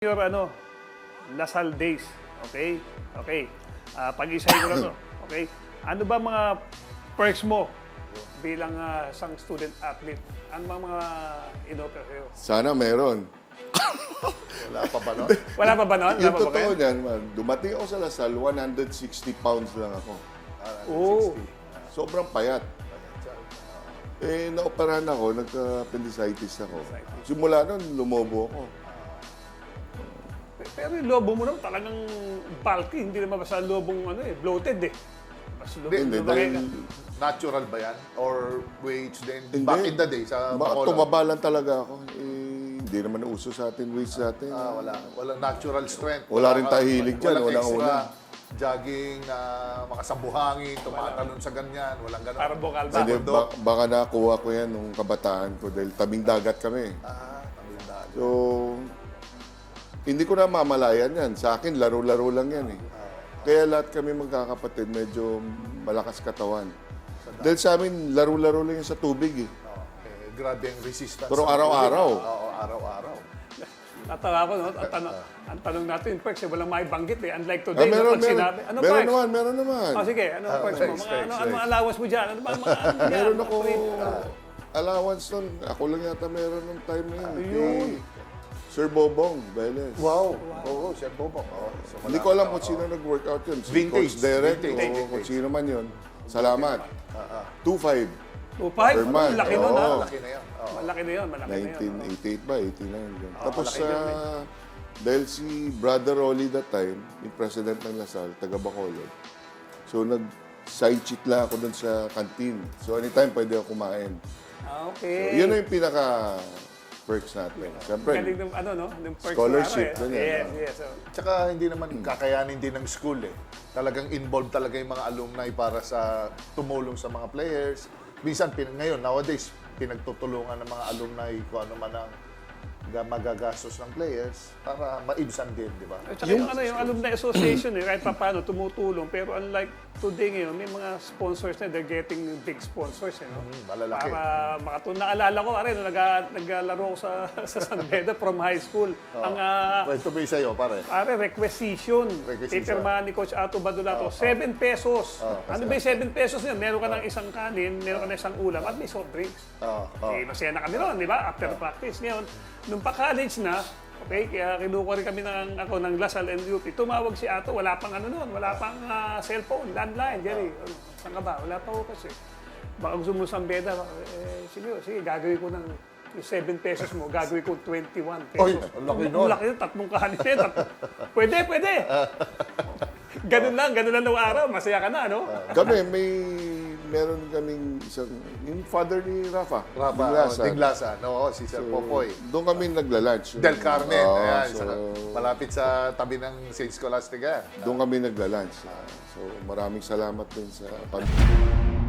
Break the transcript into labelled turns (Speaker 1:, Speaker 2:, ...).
Speaker 1: Your Lasal days, okay? Okay. Pag-isay ko lang to, okay? Ano ba mga perks mo bilang isang student athlete? Ano ba mga in-offer sa'yo?
Speaker 2: Sana meron.
Speaker 3: Wala pa ba nun?
Speaker 1: Wala pa ba nun? Wala
Speaker 2: Yung
Speaker 1: pa ba
Speaker 2: totoo
Speaker 1: kayo?
Speaker 2: niyan, man, dumating ako sa Lasal, 160 pounds lang ako.
Speaker 1: Oo.
Speaker 2: Sobrang payat. Naoperahan ako, nagka-appendicitis ako. Simula nun, lumobo ako.
Speaker 1: Pero yung lobo mo naman talagang bulky, hindi naman basta lobong bloated eh. Mas
Speaker 2: Hindi,
Speaker 1: lumaki
Speaker 2: dahil
Speaker 1: ka.
Speaker 3: Natural ba yan? Or weights din?
Speaker 2: Hindi.
Speaker 3: Back in the day sa Bacolod?
Speaker 2: tumaba lang talaga ako. Hindi naman uso sa atin, weights natin.
Speaker 3: Walang natural strength.
Speaker 2: Wala rin tayo hilig dyan, walang
Speaker 3: extra
Speaker 2: ulam.
Speaker 3: jogging na mga sabuhangin, tumatalon sa ganyan, walang ganun.
Speaker 1: Parang bukal ba?
Speaker 2: Hindi, baka nakuha ko yan nung kabataan ko dahil tabing dagat kami.
Speaker 3: Tamindaan.
Speaker 2: So, hindi ko na mamalayan yan. Sa akin, laro-laro lang yan eh. Kaya lahat kami magkakapatid, medyo malakas katawan. Dahil sa amin, laro-laro lang yan sa tubig eh.
Speaker 3: Grabe ang resistance.
Speaker 2: Pero
Speaker 3: sa
Speaker 2: araw-araw.
Speaker 3: tubig. Oo, araw-araw.
Speaker 1: Natawa ko, no? Ang tanong natin, perks, walang maibanggit eh. Unlike today,
Speaker 2: Meron
Speaker 1: pag sinabi, ano
Speaker 2: meron
Speaker 1: perks?
Speaker 2: naman, meron naman.
Speaker 1: Sige, ano perks mo?
Speaker 3: Perks,
Speaker 1: Ano allowance mo dyan? Ano ba mga ano dyan?
Speaker 2: Meron ako
Speaker 1: Mga
Speaker 2: allowance nun. Ako lang yata meron nung time na yun.
Speaker 1: Ayun.
Speaker 2: Kay Sir Bobong Velez.
Speaker 3: Wow. Oo, Sir Bobong. So,
Speaker 2: Hindi ko alam kung sino nag-workout yun. Si
Speaker 3: Vintage.
Speaker 2: Coach Derek
Speaker 3: Vintage.
Speaker 2: o kung sino man yun. Salamat. 2.5
Speaker 1: Upay?
Speaker 2: per month.
Speaker 1: Laki nun, ha?
Speaker 2: Oo.
Speaker 3: Laki na yan. Oo.
Speaker 1: Malaki na yun, malaki na yun.
Speaker 2: 1988 ba? 89 yun. Tapos,
Speaker 1: malaki yun,
Speaker 2: dahil si Brother Rolly that time, yung president ng Lasal, taga Bacolod, so nag-side chick lang ako dun sa canteen. So anytime pwede ako kumain. So,
Speaker 1: Okay.
Speaker 2: yun na yung pinaka-perks natin. Siyempre,
Speaker 1: Galing ng no? Ng perks
Speaker 2: Scholarship,
Speaker 1: mo,
Speaker 2: ganyan,
Speaker 1: Yes,
Speaker 2: no?
Speaker 1: yes. So,
Speaker 3: Tsaka hindi naman kakayanin din ng school eh. Talagang involved talaga yung mga alumni para sa tumulong sa mga players. Minsan, ngayon, nowadays, pinagtutulungan ng mga alumni kung ano man ang magagastos ng players para maibsan din, di ba?
Speaker 1: At saka yung alumni association kahit pa paano tumutulong. Pero unlike today ngayon, may mga sponsors na, they're getting big sponsors. No?
Speaker 3: Malalaki.
Speaker 1: Para makatulong. Naalala ko, naglalaro ako sa San Beda from high school. Ang
Speaker 3: Ito ba yung sa'yo, pare?
Speaker 1: requisition.
Speaker 3: Requisition.
Speaker 1: Pipirmahan ni Coach Ato Badulato, 7 pesos. Ano ba yung 7 pesos niya? Meron ka ng isang kanin, meron ka ng isang ulam, at may soft drinks. Masaya na kami ron, di ba? After practice. Ngayon, nung pa-college na, okay, kaya kinuha rin kami ng Lasal and UP. Tumawag si Ato, wala pang wala pang cellphone, landline, Jerry. Saan ka ba? Wala pa ako kasi. Baka gusto mo sa Beda, sige, gagawin ko ng yung 7 pesos mo, gagawin ko 21 pesos.
Speaker 3: Oy, ang laki nun.
Speaker 1: Ang laki nun, tatlong kanin. Pwede. Ganun lang nung araw, masaya ka na, no?
Speaker 2: kami, meron kaming isang, yung father ni Rafa.
Speaker 3: Diglasan. No, si Sir Popoy.
Speaker 2: Doon kami nagla-lunch.
Speaker 3: Del Carmen.
Speaker 2: Oo,
Speaker 3: Ayan,
Speaker 2: so,
Speaker 3: malapit sa tabi ng St. Scholastica.
Speaker 2: doon kami nagla-lunch. So maraming salamat din sa